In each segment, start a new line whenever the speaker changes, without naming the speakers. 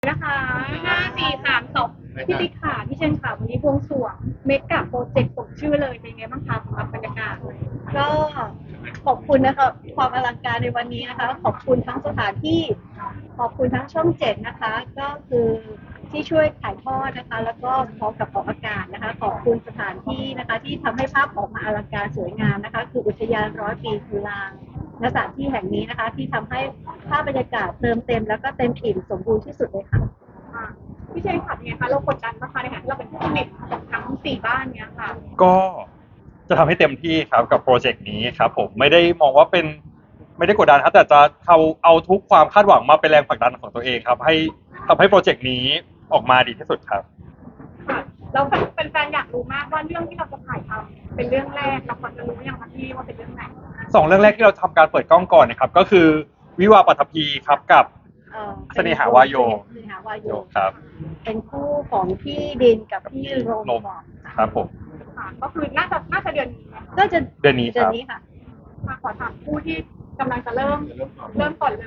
นะคะ5 4 3 2พี่ติ๊กค่ะพี่เชนค่ะวันนี้บวงสรวงเมกะโปรเจกต์สมชื่อเลยเป็นไงบ้างคะสำหรับบรรยากาศ
ก็ขอบคุณนะคะความอลังการในวันนี้นะคะขอบคุณทั้งสถานที่ขอบคุณทั้งช่องเจ็ดนะคะก็คือที่ช่วยถ่ายทอดนะคะแล้วก็พร้อมกับออกอากาศนะคะขอบคุณสถานที่นะคะที่ทำให้ภาพออกมาอลังการสวยงามนะคะคืออุทยาน100 ปีจุฬาณสถานที่แห่งนี้นะคะที่ทำให้ภาพบรรยากาศเติมเต็มแล้วก็เต็มอิ่มสมบูรณ์ที่สุดเลยค่ะ
พี่เชนค่ะเป็นไงคะเรากดดันนะคะในฐานะที่เราเป็นผู้ผลิตของทั้ง4 บ้านเนี้ยค่ะ
ก็จะทำให้เต็มที่ครับกับโปรเจกต์นี้ครับผมไม่ได้มองว่าเป็นไม่ได้กดดันครับแต่จะเอาทุกความคาดหวังมาเป็นแรงผลักดันของตัวเองครับให้ทำให้โปรเจกต์นี้ออกมาดีที่สุดครับ
ค่ะแล้วเป็นแฟนอยากรู้มากว่าเรื่องที่เราจะถ่ายทำเป็นเรื่องแรกเราควรจะรู้ยังคะพี่ว่าเป็นเรื่องไหน
2 เรื่องแรกที่เราทำการเปิดกล้องก่อนนะครับก็คือวิวาห์ปัทภีครับกับเสน่หาวาโยครับ
เป็นคู่ของพี่ดินกับพี่โรม
ครับผม
ค่ะก็คือน่าจะเดือนนี้นะคะ
ก็จะ
เดือนนี้ครับ
ค่ะ
มาขอถามคู่ที่กำลังจะเริ่มก่อนเลย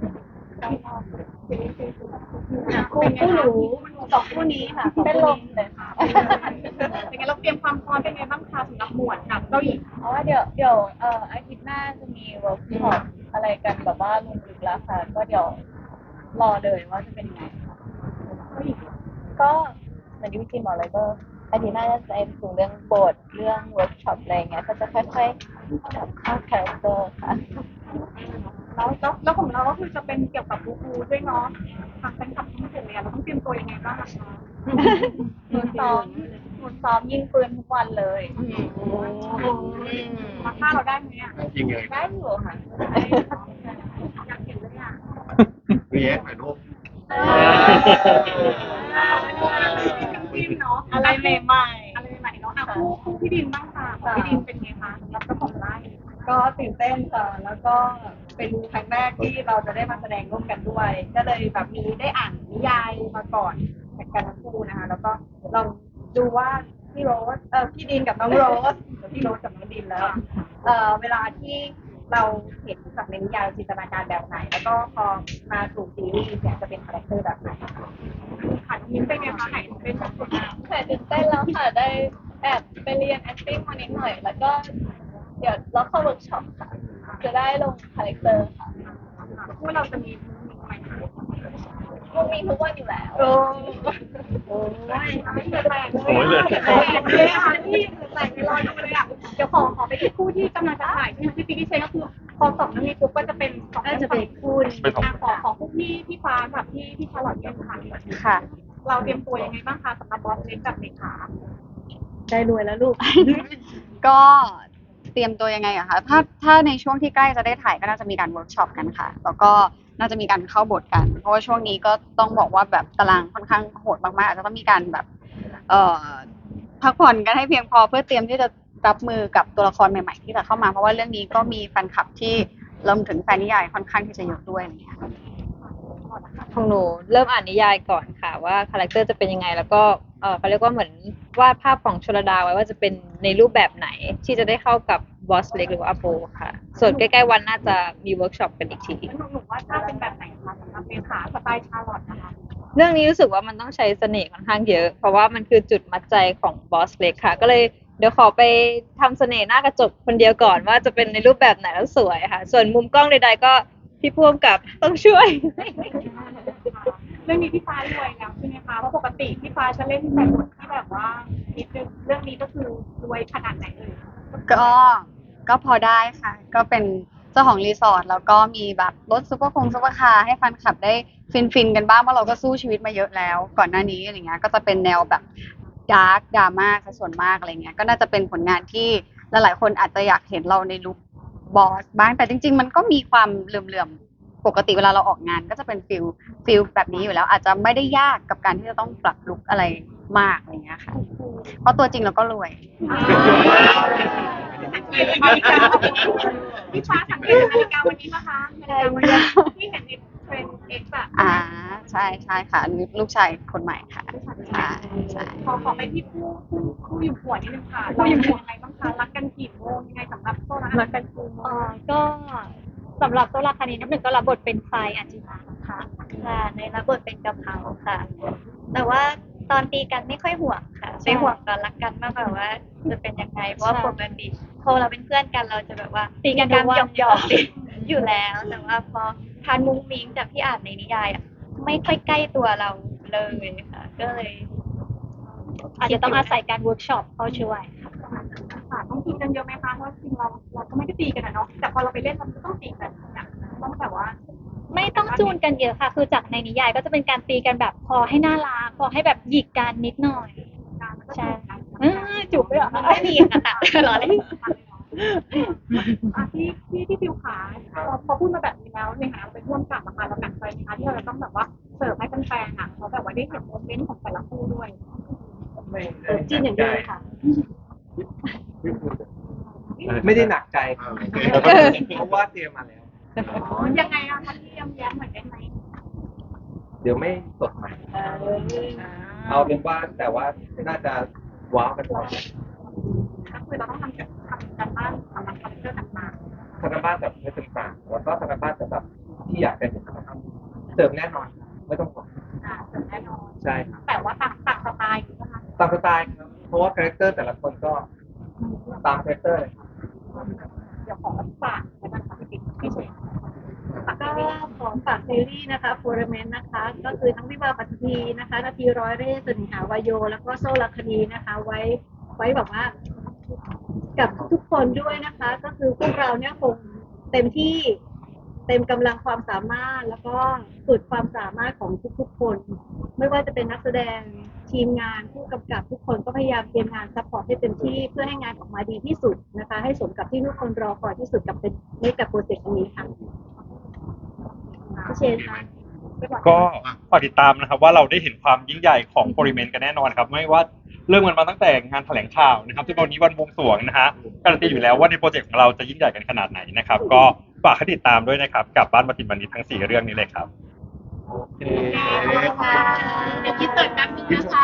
คู่หนู2 คู่นี้ค่ะ
เป็นลมเลยค่ะเป็นไงเราเตรียมความพร้อมเป็นไงบ้างคะสำหรับหมวดกับเจ้าหญิง
เพราะว่าเดี๋ยวอาทิตย์หน้าจะมีเวิร์กช็อปอะไรกันแบบว่าลงลึกแล้วค่ะก็เดี๋ยวรอเลยว่าจะเป็นยังไงก็เหมือนที่พี่จีนบอกเลยก็อาทิตย์หน้าจะเป็นถึงเรื่องบทเรื่องเวิร์กช็อปอะไรเงี้ยก็จะค่อยๆเข้าคาแรคเตอร์ค่ะ
แล้วของเราก็คือจะเป็นเกี่ยวกับบูด้วยเนาะทางแฟนคลับทั้งหมดเลยเราต้องเตรียมตัวยังไงบ้างคะ
หนูซ้อมยิงปืนทุกวันเลย
มาฆ่าเราได้ไหมอ่ะ
ยิงไง
ได้อยู่ค่ะ
อยากเห็นเลยอ่ะ
เรียกหน่อยลูก
เนาะ
อะไรใหม่
เนาะคู่พี่ดินบ้างค่ะพี่ดินเป็นไงคะรับเจ้าของไร่
ก็ตื่นเต้นค่ะแล้วก็เป็นครั้งแรกที่เราจะได้มาแสดงร่วมกันด้วย ก็เลยแบบมีได้อ่านนิยายมาก่อนกันทั้งคู่นะคะแล้วก็ลองดูว่าพี่โรสพี่ดินกับน้องโรสพี่โรสกับน้องดินแล้วเวลาที่เราเห็นจากในนิยายจินตนาการแบบไหน แล้วก็พอมาสู่ซีรีส์เนี่ยจะเป็นคาแรคเตอร์แบบไหน
ค่ะยิ้มเป็นไงคะไหนเป็นแบบคนอ่ะ
แต่ตื่นเต้นแล้วค่ะได้แอบไปเรียน acting มานิดหน่อยแล้วก็เดี๋ยวเราเข้าเวิร์กช็อปค่ะจะได้ลงคาแรคเตอร์ค่ะ
พวกเราจะมี
มันมีทุกวันอยู่แล้ว
โอ้ยเลยค่ะที่แต่งรอดูเลยอ่ะเดี๋ยวขอไปที่คู่ที่กำลังจะถ่ายที่พี่ปิ๊กเชนก็คือพอ2 เรื่องนี้ปุ๊บก็จะเป็น2
ก็จะเป็นคู่
ขอคู่พี่ฟ้ากับพี่ชาลอตเนี่ยค่ะ
ค่ะ
เราเตรียมตัวยังไงบ้างคะสำหรับบอสเล็กกับเด็กขา
ได้รวยแล้วลูก
ก็เตรียมตัวยังไงอะคะถ้าในช่วงที่ใกล้จะได้ถ่ายก็น่าจะมีการเวิร์กช็อปกันค่ะแล้วก็น่าจะมีการเข้าบทกันเพราะว่าช่วงนี้ก็ต้องบอกว่าแบบตารางค่อนข้างโหดมากๆอาจจะต้องมีการแบบเอ่อพักผ่อนกันให้เพียงพอเพื่อเตรียมที่จะรับมือกับตัวละครใหม่ๆที่จะเข้ามาเพราะว่าเรื่องนี้ก็มีแฟนคลับที่รวมถึงแฟนนิยายค่อนข้างที่จะเยอะด้วยอะไรอย่างเงี้ย
ของหนูเริ่มอ่านนิยายก่อนค่ะว่าคาแรคเตอร์จะเป็นยังไงแล้วก็เขาเรียกว่าเหมือนวาดภาพของชลดาไว้ว่าจะเป็นในรูปแบบไหนที่จะได้เข้ากับบอสเล็กหรือว่าอโปค่ะส่วนใกล้ๆวันน่าจะมีเวิร์กช็อปกันอีกที
หนูว่าถ้าเป็นแบบไหนคะสำหรับเด็กขาสไตล์ชาลอตนะคะ
เรื่องนี้รู้สึกว่ามันต้องใช้เสน่ห์ค่อนข้างเยอะเพราะว่ามันคือจุดมัดใจของบอสเล็กค่ะก็เลยเดี๋ยวขอไปทำเสน่ห์หน้ากระจกคนเดียวก่อนว่าจะเป็นในรูปแบบไหนแล้วสวยค่ะส่วนมุมกล้องใดๆก็พี่พ่วงกับต้องช่วย
เรื่องนี้พี่ฟ้ารวยแล้วใช่ไหมคะเพราะปกติพี่ฟ้าจะเล่นแต่บทที่แบบว่านิดนึงเรื่องนี้ก็คือรวยขนาดไหนเลย
ก็พอได้ค่ะก็เป็นเจ้าของรีสอร์ทแล้วก็มีแบบรถซุปเปอร์คาร์ให้แฟนคลับได้ฟินกันบ้างเพราะเราก็สู้ชีวิตมาเยอะแล้วก่อนหน้านี้อะไรเงี้ยก็จะเป็นแนวแบบดาร์กดราม่าซะส่วนมากอะไรเงี้ยก็น่าจะเป็นผลงานที่หลายๆคนอาจจะอยากเห็นเราในลุคบอสบ้างแต่จริงๆมันก็มีความเหลื่อมๆปกติเวลาเราออกงานก็จะเป็นฟิลแบบนี้อยู่แล้วอาจจะไม่ได้ยากกับการที่จะต้องปรับลุคอะไรมากอะไรเงี้ยค่ะเพราะตัวจริงเราก็รวย
พี่ฟ้าสังเกตนาฬิกาวันนี้นะคะนาฬิกาวันนี้ที่เห็นในเทรนด์เอ็กซ์อะ
ใช่ค่ะลูกชายคนใหม่ค่ะใช่
ขอไปที่ผู้อยู่หัวนิดนึงค่ะเราอยู่ยังไงบ้างคะรักกันกี่โมงยังไงสำหรับโซนรักกันกี่โมง
ก็สำหรับตัวละครนี้น้ำหนึ่งก็รับบทเป็นทรายอาจิมา
คะ
ค่ะในรับบทเป็นกะเพราค่ะ แต่ว่าตอนตีกันไม่ค่อยห่วงค่ะไปห่วงตอนรักกันมากกว่าว่าจะเป็นยังไงเพราะว่าปกติพอเราเป็นเพื่อนกันเราจะแบบว่าตีกันหยอกหยอกๆอยู่แล้ว แต่ว่าพอทานมุ้งมิ้งจากที่อ่านในนิยายอ่ะไม่ค่อยใกล้ตัวเราเลยค่ะ ก็เลย อาจจะต้องอาศัยการเวิร์กช็อปเข้าช่วยค่ะ
ค่ะต้องตีกันเยอะไหมคะเพราะจริงเราก็ไม่ได้ตีกันนะเนาะแต่พอเราไปเล่นเราก็ต้องตีกันเนี่ยต้องแบบว่า
ไม่ต้องจูนกันเยอะค่ะ คือจากในนิยายก็จะเป็นการตีกันแบบพอให้น่ารักพอให้แบบหยิกกันนิดหน่อย
การมันก็
ใช่
จูบกัน
จูบด้วยเหรอคะไม่มีค่ะหรอเลย
ที่ฟิวขาพอพูดมาแบบนี้แล้วในฐานะเราเป็นร่วมกับนะคะเราหนักใจไหมคะที่เราจะต้องแบบว่าเสิร์ฟให้แฟนๆอ่ะเขาแบบว่าได้เห็นโมเมนต์ของแต่ละคู่ด้วย
จิ้นอย่างเดียวค่ะ
ไม่ได้หนักใจ
โอเค
เพราะว่าเตรียมมาแล้ว
ยังไงอะคะที่แย้มเหมือนได้ไหม
เดี๋ยวไม่สดใหม่ เอาเป็นว่าแต่ว่าน่าจะว้าวกันพอ
ก็คือเราต้องทำการบ้านสำหรับคอมพิวเตอร์ต่าง
ธนบ้านแบบไม่ต่างๆแล้วก็ธนบ้านแบบที่อยากได้เห็นนะครับเติมแน่นอนไม่ต้องห่วง
ๆเสริมแน่นอน
ใช่ครับ
แต่ว่าต่างสไตล์อยู่นะคะ
ตามสไตล์ครับเพราะว่าคาแรคเตอร์แต่ละคนก็ตามคาแรคเตอร์เลยครับ
เดี๋ยวขอฝากแล้วกันค่ะพี่เชน
ก็ของฝากซีรีส์นะคะโฟร์เมนนะคะ ก็คือทั้งวิวาห์ปัตตีนะคะนาทีร้อยเร่ห์สนิหาวายโย แล้วก็โซลคดีนะคะ ไว้แบบว่า กับทุกคนด้วยนะคะ ก็คือพวกเราเนี่ยคงเต็มที่เต็มกำลังความสามารถแล้วก็สุดความสามารถของทุกๆคน ไม่ว่าจะเป็นนักแสดงทีมงานผู้กำกับทุกคนก็พยายามเตรียมงานซัพพอร์ตให้เต็มที่เพื่อให้งานออกมาดีที่สุดนะคะ ให้สมกับที่ทุกคนรอคอยที่สุดกับเป็นในกับโปรเจกต์นี้ค่ะพี่เชนค่ะ
ก็ฝากติดตามนะครับว่าเราได้เห็นความยิ่งใหญ่ของโปริเมนต์กันแน่นอนครับไม่ว่าเริ่มกันมาตั้งแต่งานแถลงข่าวนะครับจนวันนี้วันบวงสรวงนะฮะการันตีอยู่แล้วว่าในโปรเจกต์ของเราจะยิ่งใหญ่กันขนาดไหนนะครับ ก็ฝากให้ติดตามด้วยนะครับกับบ้านมาตินบันดิตทั้ง4เรื่องนี้เลยครับ
โอเค
เดี๋ยวคิดเสิร์ตแป๊บนึงนะคะ